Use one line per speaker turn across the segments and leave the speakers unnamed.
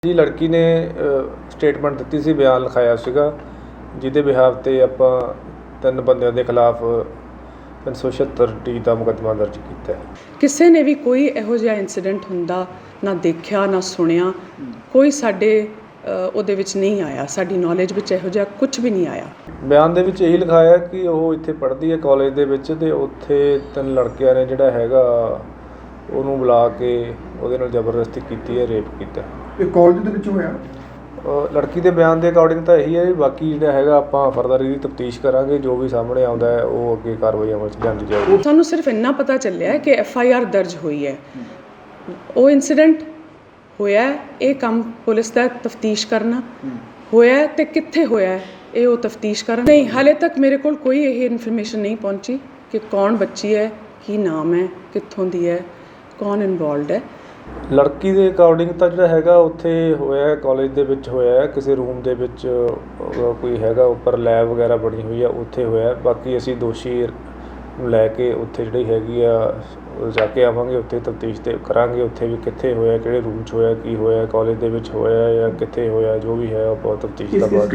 जी लड़की ने स्टेटमेंट दी सी, बयान लिखाया सीगा जिहदे बिहाफ ते आपां 3 बंदिਆਂ ਦੇ ਖਿਲਾਫ 376 ਦਾ ਮੁਕੱਦਮਾ ਦਰਜ ਕੀਤਾ ਹੈ।
ਕਿਸੇ ਨੇ ਵੀ ਕੋਈ ਇਹੋ ਜਿਹਾ ਇਨਸੀਡੈਂਟ ਹੁੰਦਾ ਨਾ ਦੇਖਿਆ ਨਾ ਸੁਣਿਆ, ਕੋਈ ਸਾਡੇ ਉਹਦੇ ਵਿੱਚ ਨਹੀਂ ਆਇਆ, ਸਾਡੀ ਨੌਲੇਜ ਵਿੱਚ ਇਹੋ ਜਿਹਾ ਕੁਝ ਵੀ ਨਹੀਂ ਆਇਆ।
ਬਿਆਨ ਦੇ ਵਿੱਚ ਇਹੀ ਲਿਖਾਇਆ ਕਿ ਉਹ ਇੱਥੇ ਪੜ੍ਹਦੀ ਹੈ ਕਾਲਜ ਦੇ ਵਿੱਚ ਤੇ ਉੱਥੇ 3 ਲੜਕਿਆਂ ਨੇ ਜਿਹੜਾ ਹੈਗਾ ਉਹਨੂੰ ਬੁਲਾ ਕੇ ਉਹਦੇ ਨਾਲ ਜ਼ਬਰਦਸਤੀ ਕੀਤੀ ਹੈ, ਰੇਪ ਕੀਤਾ।
ਇਹ ਕਾਲਜ ਦੇ ਵਿੱਚ ਹੋਇਆ?
ਲੜਕੀ ਦੇ ਬਿਆਨ ਦੇ ਅਕੋਰਡਿੰਗ ਤਾਂ ਇਹੀ ਹੈ। ਬਾਕੀ ਜਿਹੜਾ ਹੈਗਾ ਆਪਾਂ ਫਰਦਰ ਇਹਦੀ ਤਫਤੀਸ਼ ਕਰਾਂਗੇ, ਜੋ ਵੀ ਸਾਹਮਣੇ ਆਉਂਦਾ ਹੈ ਉਹ ਅੱਗੇ ਕਾਰਵਾਈ ਅਮਲ 'ਚ ਲਿਆਂਦੀ ਜਾਏਗੀ।
ਸਾਨੂੰ ਸਿਰਫ ਇੰਨਾ ਪਤਾ ਚੱਲਿਆ ਕਿ FIR ਦਰਜ ਹੋਈ ਹੈ, ਉਹ ਇਨਸੀਡੈਂਟ ਹੋਇਆ, ਇਹ ਕੰਮ ਪੁਲਿਸ ਦਾ ਤਫਤੀਸ਼ ਕਰਨਾ ਹੋਇਆ ਤੇ ਕਿੱਥੇ ਹੋਇਆ ਇਹ ਉਹ ਤਫਤੀਸ਼ ਕਰਨ। ਨਹੀਂ, ਹਾਲੇ ਤੱਕ ਮੇਰੇ ਕੋਲ ਕੋਈ ਇਹ ਇਨਫੋਰਮੇਸ਼ਨ ਨਹੀਂ ਪਹੁੰਚੀ ਕਿ ਕੌਣ ਬੱਚੀ ਹੈ, ਕੀ ਨਾਮ ਹੈ, ਕਿੱਥੋਂ ਦੀ ਹੈ, ਕੌਣ ਇਨਵੋਲਵਡ ਹੈ।
ਲੜਕੀ ਦੇ ਅਕੋਰਡਿੰਗ ਤਾਂ ਜਿਹੜਾ ਹੈਗਾ ਉੱਥੇ ਹੋਇਆ, ਕਾਲਜ ਦੇ ਵਿੱਚ ਹੋਇਆ, ਕਿਸੇ ਰੂਮ ਦੇ ਵਿੱਚ ਕੋਈ ਹੈਗਾ ਉੱਪਰ ਲੈਬ ਵਗੈਰਾ ਬਣੀ ਹੋਈ ਆ, ਉੱਥੇ ਹੋਇਆ। ਬਾਕੀ ਅਸੀਂ ਦੋਸ਼ੀ ਨੂੰ ਲੈ ਕੇ ਉੱਥੇ ਜਿਹੜੀ ਹੈਗੀ ਆ ਜਾ ਕੇ ਆਵਾਂਗੇ, ਉੱਥੇ ਤਫਤੀਸ਼ ਤੇ ਕਰਾਂਗੇ, ਉੱਥੇ ਵੀ ਕਿੱਥੇ ਹੋਇਆ, ਕਿਹੜੇ ਰੂਮ 'ਚ ਹੋਇਆ, ਕੀ ਹੋਇਆ, ਕਾਲਜ ਦੇ ਵਿੱਚ ਹੋਇਆ ਜਾਂ ਕਿੱਥੇ ਹੋਇਆ, ਜੋ ਵੀ ਹੈ ਉਹ ਬਹੁਤ ਤਫਤੀਸ਼ ਦਾ ਬਾਅਦ।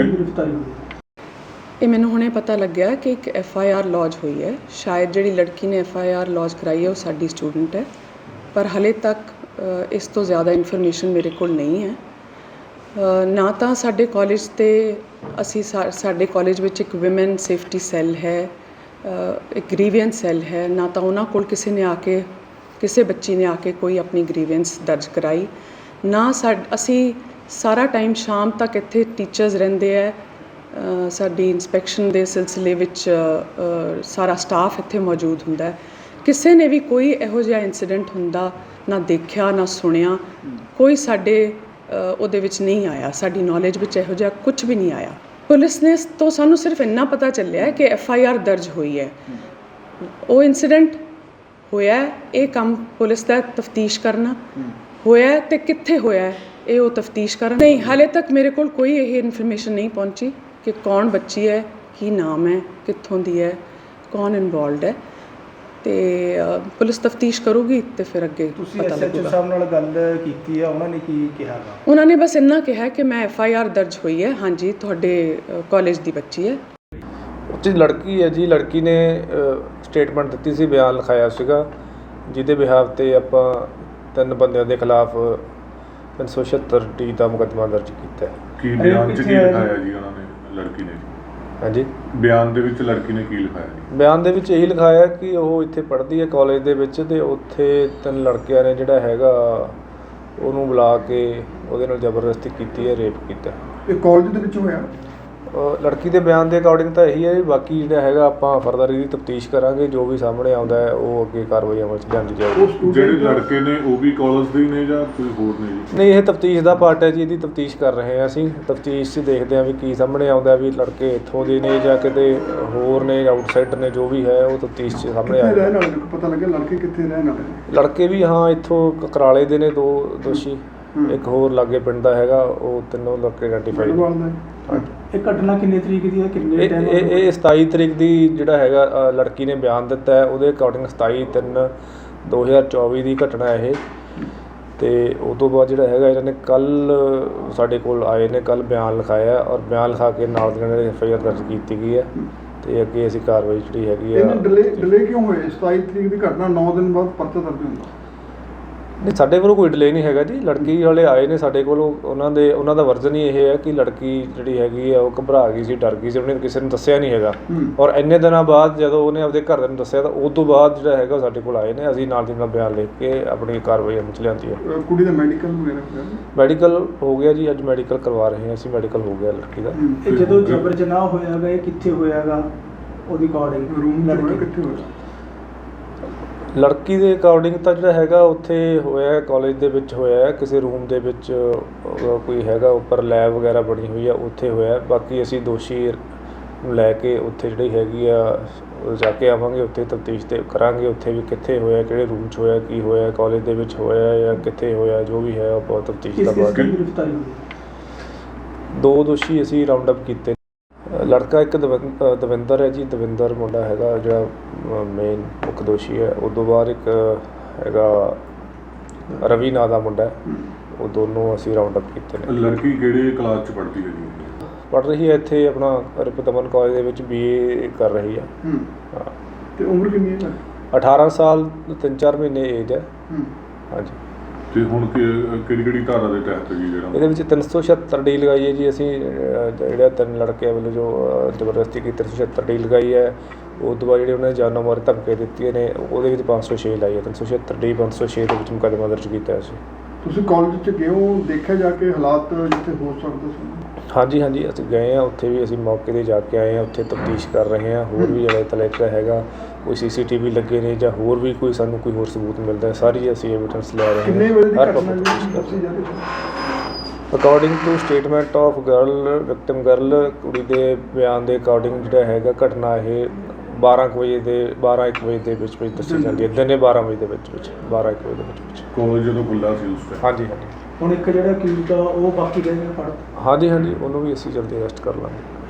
ਇਹ ਮੈਨੂੰ ਹੁਣੇ ਪਤਾ ਲੱਗਿਆ ਕਿ ਇੱਕ FIR ਲੌਜ ਹੋਈ ਹੈ। ਸ਼ਾਇਦ ਜਿਹੜੀ ਲੜਕੀ ਨੇ FIR ਲੌਜ ਕਰਾਈ ਹੈ ਉਹ ਸਾਡੀ ਸਟੂਡੈਂਟ ਹੈ, ਪਰ ਹਾਲੇ ਤੱਕ ਇਸ ਤੋਂ ਜ਼ਿਆਦਾ ਇਨਫੋਰਮੇਸ਼ਨ ਮੇਰੇ ਕੋਲ ਨਹੀਂ ਹੈ। ਨਾ ਤਾਂ ਸਾਡੇ ਕਾਲਜ ਤੇ ਸਾਡੇ ਕਾਲਜ ਵਿੱਚ ਇੱਕ ਵਿਮਨ ਸੇਫਟੀ ਸੈੱਲ ਹੈ, ਇੱਕ ਗ੍ਰੀਵੈਂਸ ਸੈੱਲ ਹੈ, ਨਾ ਤਾਂ ਉਹਨਾਂ ਕੋਲ ਕਿਸੇ ਬੱਚੀ ਨੇ ਆ ਕੇ ਕੋਈ ਆਪਣੀ ਗ੍ਰੀਵੈਂਸ ਦਰਜ ਕਰਾਈ, ਨਾ ਅਸੀਂ ਸਾਰਾ ਟਾਈਮ ਸ਼ਾਮ ਤੱਕ ਇੱਥੇ ਟੀਚਰਸ ਰਹਿੰਦੇ ਹੈ, ਸਾਡੀ ਇਨਸਪੈਕਸ਼ਨ ਦੇ ਸਿਲਸਿਲੇ ਵਿੱਚ ਸਾਰਾ ਸਟਾਫ ਇੱਥੇ ਮੌਜੂਦ ਹੁੰਦਾ ਹੈ। ਕਿਸੇ ਨੇ ਵੀ ਕੋਈ ਇਹੋ ਜਿਹਾ ਇਨਸੀਡੈਂਟ ਹੁੰਦਾ ਨਾ ਦੇਖਿਆ ਨਾ ਸੁਣਿਆ, ਕੋਈ ਸਾਡੇ ਉਹਦੇ ਵਿੱਚ ਨਹੀਂ ਆਇਆ, ਸਾਡੀ ਨੌਲੇਜ ਵਿੱਚ ਇਹੋ ਜਿਹਾ ਕੁਝ ਵੀ ਨਹੀਂ ਆਇਆ। ਪੁਲਿਸ ਨੇ ਤੋਂ ਸਾਨੂੰ ਸਿਰਫ ਇੰਨਾ ਪਤਾ ਚੱਲਿਆ ਕਿ FIR ਦਰਜ ਹੋਈ ਹੈ, ਉਹ ਇਨਸੀਡੈਂਟ ਹੋਇਆ, ਇਹ ਕੰਮ ਪੁਲਿਸ ਦਾ ਤਫਤੀਸ਼ ਕਰਨਾ ਹੋਇਆ ਤੇ ਕਿੱਥੇ ਹੋਇਆ ਇਹ ਉਹ ਤਫਤੀਸ਼ ਕਰਨ। ਨਹੀਂ, ਹਾਲੇ ਤੱਕ ਮੇਰੇ ਕੋਲ ਕੋਈ ਇਹ ਇਨਫੋਰਮੇਸ਼ਨ ਨਹੀਂ ਪਹੁੰਚੀ ਕਿ ਕੌਣ ਬੱਚੀ ਹੈ, ਕੀ ਨਾਮ ਹੈ, ਕਿੱਥੋਂ ਦੀ ਹੈ, ਕੌਣ ਇਨਵੋਲਵਡ ਹੈ, ਤੇ ਪੁਲਿਸ ਤਫਤੀਸ਼ ਕਰੂਗੀ ਤੇ ਫਿਰ ਅੱਗੇ ਪਤਾ ਲੱਗੂਗਾ।
SHO ਸਾਹਿਬ ਨਾਲ ਗੱਲ ਕੀਤੀ ਆ, ਉਹਨਾਂ ਨੇ ਕੀ ਕਿਹਾ?
ਉਹਨਾਂ ਨੇ ਬਸ ਇੰਨਾ ਕਿਹਾ ਕਿ ਮੈਂ FIR ਦਰਜ ਹੋਈ ਹੈ, ਹਾਂਜੀ ਤੁਹਾਡੇ ਕਾਲਜ ਦੀ ਬੱਚੀ ਹੈ।
ਉੱਥੇ ਲੜਕੀ ਹੈ ਜੀ, ਲੜਕੀ ਨੇ ਸਟੇਟਮੈਂਟ ਦਿੱਤੀ ਸੀ, ਬਿਆਨ ਲਿਖਾਇਆ ਸੀਗਾ ਜਿਹਦੇ ਬਿਹਾਫ ਤੇ ਆਪਾਂ 3 ਬੰਦਿਆਂ ਦੇ ਖਿਲਾਫ 376 ਦਾ ਮੁਕੱਦਮਾ ਦਰਜ ਕੀਤਾ ਹੈ।
ਕੀ ਬਿਆਨ 'ਚ ਕੀ ਲਿਖਾਇਆ ਜੀ ਉਹਨਾਂ ਨੇ, ਲੜਕੀ ਨੇ?
ਹਾਂਜੀ,
ਬਿਆਨ ਦੇ ਵਿੱਚ ਲੜਕੀ ਨੇ ਕੀ ਲਿਖਾਇਆ ਜੀ?
ਬਿਆਨ ਦੇ ਵਿੱਚ ਇਹੀ ਲਿਖਾਇਆ ਕਿ ਉਹ ਇੱਥੇ ਪੜ੍ਹਦੀ ਹੈ ਕਾਲਜ ਦੇ ਵਿੱਚ ਤੇ ਉੱਥੇ 3 ਲੜਕਿਆਂ ਨੇ ਜਿਹੜਾ ਹੈਗਾ ਉਹਨੂੰ ਬੁਲਾ ਕੇ ਉਹਦੇ ਨਾਲ ਜ਼ਬਰਦਸਤੀ ਕੀਤੀ ਹੈ, ਰੇਪ ਕੀਤਾ।
ਇਹ ਕਾਲਜ ਦੇ ਵਿੱਚ ਹੋਇਆ?
ਲੜਕੀ ਦੇ ਬਿਆਨ ਦੇ ਅਕੋਰਡਿੰਗ ਤਾਂ ਇਹੀ ਹੈ। ਬਾਕੀ ਜਿਹੜਾ ਹੈਗਾ ਆਪਾਂ ਫਰਦਰ ਇਹਦੀ ਤਫਤੀਸ਼ ਕਰਾਂਗੇ, ਜੋ ਵੀ ਸਾਹਮਣੇ ਆਉਂਦਾ ਹੈ ਉਹ ਅੱਗੇ ਕਾਰਵਾਈ ਅਮਲ 'ਚ ਲਿਆਂਦੀ ਜਾਏਗੀ।
ਜਿਹੜੇ ਲੜਕੇ ਨੇ ਉਹ ਵੀ ਕਾਲਜ ਦੇ ਹੀ ਨੇ ਜਾਂ ਕੋਈ ਹੋਰ ਨੇ ਜੀ?
ਨਹੀਂ, ਇਹ ਤਫਤੀਸ਼ ਦਾ ਪਾਰਟ ਹੈ ਜੀ, ਇਹਦੀ ਤਫਤੀਸ਼ ਕਰ ਰਹੇ ਹਾਂ ਅਸੀਂ। ਤਫਤੀਸ਼ 'ਚ ਦੇਖਦੇ ਹਾਂ ਵੀ ਕੀ ਸਾਹਮਣੇ ਆਉਂਦਾ, ਵੀ ਲੜਕੇ ਇੱਥੋਂ ਦੇ ਨੇ ਜਾਂ ਕਿਤੇ ਹੋਰ ਨੇ, ਆਊਟਸਾਈਡਰ ਨੇ, ਜੋ ਵੀ ਹੈ ਉਹ ਤਫਤੀਸ਼ 'ਚ ਸਾਹਮਣੇ ਆਏਗਾ।
ਰਹਿਣ ਵਾਲੇ ਪਤਾ ਲੱਗਿਆ ਲੜਕੇ ਕਿੱਥੇ ਰਹਿਣ ਵਾਲੇ ਨੇ?
ਲੜਕੇ ਵੀ ਹਾਂ ਇੱਥੋਂ ਕਕਰਾਲੇ ਦੇ ਨੇ 2 ਦੋਸ਼ੀ, ਇੱਕ ਹੋਰ ਲਾਗੇ ਪਿੰਡ ਦਾ ਹੈਗਾ, ਉਹ 3 ਲੜਕੇ ਆਈਡੈਂਟੀਫਾਈ।
ਇਹ ਘਟਨਾ ਕਿੰਨੀ ਤਰੀਕ ਦੀ ਹੈ, ਕਿੰਨੇ ਟਾਈਮ?
ਇਹ 27 ਤਰੀਕ ਦੀ ਜਿਹੜਾ ਹੈਗਾ ਲੜਕੀ ਨੇ ਬਿਆਨ ਦਿੱਤਾ ਹੈ, ਉਹਦੇ ਅਕੋਰਡਿੰਗ 27/3/2024 ਦੀ ਘਟਨਾ ਇਹ। ਤੇ ਉਸ ਤੋਂ ਬਾਅਦ ਜਿਹੜਾ ਹੈਗਾ ਇਹਨਾਂ ਨੇ ਕੱਲ੍ਹ ਸਾਡੇ ਕੋਲ ਆਏ ਨੇ, ਕੱਲ੍ਹ ਬਿਆਨ ਲਿਖਾਇਆ ਔਰ ਬਿਆਨ ਲਿਖਾ ਕੇ ਨਾਲ ਦੀ ਨਾਲ FIR ਦਰਜ ਕੀਤੀ ਗਈ ਹੈ ਤੇ ਅੱਗੇ ਅਸੀਂ ਕਾਰਵਾਈ ਜਿਹੜੀ ਹੈਗੀ ਆ।
ਡਿਲੇ ਕਿਉਂ ਹੋਏ? 27 ਤਰੀਕ ਦੀ ਘਟਨਾ 9 ਦਿਨ ਬਾਅਦ ਪਰਚਾ ਦਰਜ ਹੁੰਦਾ?
ਨਹੀਂ, ਸਾਡੇ ਕੋਲ ਕੋਈ ਡਿਲੇ ਨਹੀਂ ਹੈਗਾ ਜੀ। ਲੜਕੀ ਵਾਲੇ ਆਏ ਨੇ ਸਾਡੇ ਕੋਲ, ਉਹਨਾਂ ਦਾ ਵਰਜ਼ਨ ਹੀ ਇਹ ਹੈ ਕਿ ਲੜਕੀ ਜਿਹੜੀ ਹੈਗੀ ਆ ਉਹ ਘਬਰਾ ਗਈ ਸੀ, ਡਰ ਗਈ ਸੀ, ਉਹਨੇ ਕਿਸੇ ਨੂੰ ਦੱਸਿਆ ਨਹੀਂ ਹੈਗਾ। ਔਰ ਇੰਨੇ ਦਿਨਾਂ ਬਾਅਦ ਜਦੋਂ ਉਹਨੇ ਆਪਦੇ ਘਰਦਿਆਂ ਨੂੰ ਦੱਸਿਆ ਤਾਂ ਉਸ ਤੋਂ ਬਾਅਦ ਜਿਹੜਾ ਹੈਗਾ ਸਾਡੇ ਕੋਲ ਆਏ ਨੇ, ਅਸੀਂ ਨਾਲ ਦੀ ਨਾਲ ਬਿਆਨ ਲਿਖ ਕੇ ਆਪਣੀ ਕਾਰਵਾਈ ਅਮਲ 'ਚ ਲਿਆਂਦੀ ਹੈ।
ਕੁੜੀ ਦਾ ਮੈਡੀਕਲ ਵਗੈਰਾ?
ਮੈਡੀਕਲ ਹੋ ਗਿਆ ਜੀ, ਅੱਜ ਮੈਡੀਕਲ ਕਰਵਾ ਰਹੇ ਹਾਂ ਅਸੀਂ, ਮੈਡੀਕਲ ਹੋ ਗਿਆ ਲੜਕੀ ਦਾ।
ਇਹ ਜਦੋਂ ਜਬਰ ਜਨਾਹ ਹੋਇਆਗਾ ਇਹ ਕਿੱਥੇ ਹੋਇਆਗਾ, ਉਹਦੀ ਅਕੋਰਡਿੰਗ
ਰੂਮ ਲੜਕੀ ਕਿੱਥੇ ਹੋਇਆ?
ਲੜਕੀ ਦੇ ਅਕੋਰਡਿੰਗ ਤਾਂ ਜਿਹੜਾ ਹੈਗਾ ਉੱਥੇ ਹੋਇਆ, ਕਾਲਜ ਦੇ ਵਿੱਚ ਹੋਇਆ, ਕਿਸੇ ਰੂਮ ਦੇ ਵਿੱਚ ਕੋਈ ਹੈਗਾ ਉੱਪਰ ਲੈਬ ਵਗੈਰਾ ਬਣੀ ਹੋਈ ਆ, ਉੱਥੇ ਹੋਇਆ। ਬਾਕੀ ਅਸੀਂ ਦੋਸ਼ੀ ਨੂੰ ਲੈ ਕੇ ਉੱਥੇ ਜਿਹੜੀ ਹੈਗੀ ਆ ਜਾ ਕੇ ਆਵਾਂਗੇ, ਉੱਥੇ ਤਫਤੀਸ਼ ਤੇ ਕਰਾਂਗੇ, ਉੱਥੇ ਵੀ ਕਿੱਥੇ ਹੋਇਆ, ਕਿਹੜੇ ਰੂਮ 'ਚ ਹੋਇਆ, ਕੀ ਹੋਇਆ, ਕਾਲਜ ਦੇ ਵਿੱਚ ਹੋਇਆ ਜਾਂ ਕਿੱਥੇ ਹੋਇਆ, ਜੋ ਵੀ ਹੈ ਉਹ ਬਹੁਤ ਤਫਤੀਸ਼ ਦਾ ਬਾਅਦ। 2 ਦੋਸ਼ੀ ਅਸੀਂ ਰਾਉਂਡ ਅਪ ਕੀਤੇ। ਲੜਕਾ ਇੱਕ ਦਵਿੰਦਰ ਹੈ ਜੀ, ਦਵਿੰਦਰ ਮੁੰਡਾ ਹੈਗਾ ਜਿਹੜਾ ਮੇਨ ਮੁੱਖ ਦੋਸ਼ੀ ਹੈ। ਉਸ ਤੋਂ ਬਾਅਦ ਇੱਕ ਹੈਗਾ ਰਵੀ ਨਾਂ ਦਾ ਮੁੰਡਾ, ਉਹ ਦੋਨੋਂ ਅਸੀਂ ਰਾਉਂਡ ਅਪ ਕੀਤੇ ਨੇ।
ਲੜਕੀ ਕਿਹੜੇ ਕਲਾਸ 'ਚ ਪੜ੍ਹਦੀ ਹੈ ਜੀ?
ਪੜ੍ਹ ਰਹੀ ਹੈ ਇੱਥੇ ਆਪਣਾ ਰਿਪਤਮਨ ਕਾਲਜ ਦੇ ਵਿੱਚ BA ਕਰ ਰਹੀ ਆ। ਹਾਂ।
ਤੇ ਉਮਰ ਕਿੰਨੀ ਹੈ?
18 ਸਾਲ 3-4 ਮਹੀਨੇ ਏਜ ਹੈ। ਹਾਂਜੀ।
ਤੇ ਹੁਣ ਕਿਹੜੀ ਕਿਹੜੀ ਧਾਰਾ ਦੇ ਤਹਿਤ ਜੀ ਜਿਹੜਾ
ਇਹਦੇ ਵਿੱਚ 376 ਡੀ ਲਗਾਈ ਹੈ ਜੀ ਅਸੀਂ। ਜਿਹੜਾ 3 ਲੜਕਿਆਂ ਵੱਲੋਂ ਜੋ ਜ਼ਬਰਦਸਤੀ ਕੀਤੀ 376 ਡੀ ਲਗਾਈ ਹੈ। ਉਸ ਤੋਂ ਬਾਅਦ ਜਿਹੜੇ ਉਹਨਾਂ ਨੇ ਜਾਨੋਂ ਮਾਰ ਧਮਕੀਆਂ ਦਿੱਤੀਆਂ ਨੇ ਉਹਦੇ ਵਿੱਚ 506 ਲਾਈ ਹੈ। 376 ਡੀ 506 ਦੇ ਵਿੱਚ ਮੁਕੱਦਮਾ ਦਰਜ ਕੀਤਾ ਸੀ।
ਤੁਸੀਂ ਕਾਲਜ 'ਚ ਗਏ ਹੋ, ਦੇਖਿਆ ਜਾ ਕੇ ਹਾਲਾਤ ਜਿੱਥੇ ਹੋ ਸਕਦੇ ਸੀ?
ਹਾਂਜੀ ਹਾਂਜੀ, ਅਸੀਂ ਗਏ ਹਾਂ ਉੱਥੇ ਵੀ, ਅਸੀਂ ਮੌਕੇ 'ਤੇ ਜਾ ਕੇ ਆਏ ਹਾਂ। ਉੱਥੇ ਤਫਤੀਸ਼ ਕਰ ਰਹੇ ਹਾਂ। ਹੋਰ ਵੀ ਜਿਹੜਾ ਤਲੇਕਾ ਹੈਗਾ ਕੋਈ CCTV ਲੱਗੇ ਨੇ ਜਾਂ ਹੋਰ ਵੀ ਕੋਈ ਸਾਨੂੰ ਕੋਈ ਹੋਰ ਸਬੂਤ ਮਿਲਦਾ ਹੈ, ਸਾਰੀ ਅਸੀਂ ਐਵੀਡੈਂਸ ਲੈ ਰਹੇ ਹਾਂ।
ਕਿੰਨੇ ਵਜੇ ਦੀ
ਹਰ
ਘਟਨਾ
ਪੱਖ ਤੋਂ
ਜੀ ਦੱਸੀ ਜਾ ਰਹੀ ਹੈ?
According to statement of girl victim girl, ਕੁੜੀ ਦੇ ਬਿਆਨ ਦੇ ਅਕੋਰਡਿੰਗ ਜਿਹੜਾ ਹੈਗਾ ਘਟਨਾ ਇਹ 12 ਵਜੇ ਦੇ ਵਿੱਚ ਦੱਸੀ ਜਾਂਦੀ ਹੈ। ਦਿਨੇ 12 ਵਜੇ ਦੇ ਵਿੱਚ 12-1 ਵਜੇ ਦੇ ਵਿੱਚ।
ਕਾਲਜ ਜਦੋਂ ਖੁੱਲ੍ਹਾ ਸੀ ਉਸ ਟਾਈਮ?
ਹਾਂਜੀ ਹਾਂਜੀ।
ਹੁਣ ਇੱਕ ਜਿਹੜਾ ਅਕਿਊਜ਼ਡ ਆ ਉਹ ਬਾਕੀ ਰਹਿ ਗਿਆ ਫੜ?
ਹਾਂਜੀ ਹਾਂਜੀ, ਉਹਨੂੰ ਵੀ ਅਸੀਂ ਜਲਦੀ ਅਰੈਸਟ ਕਰ ਲਾਂਗੇ।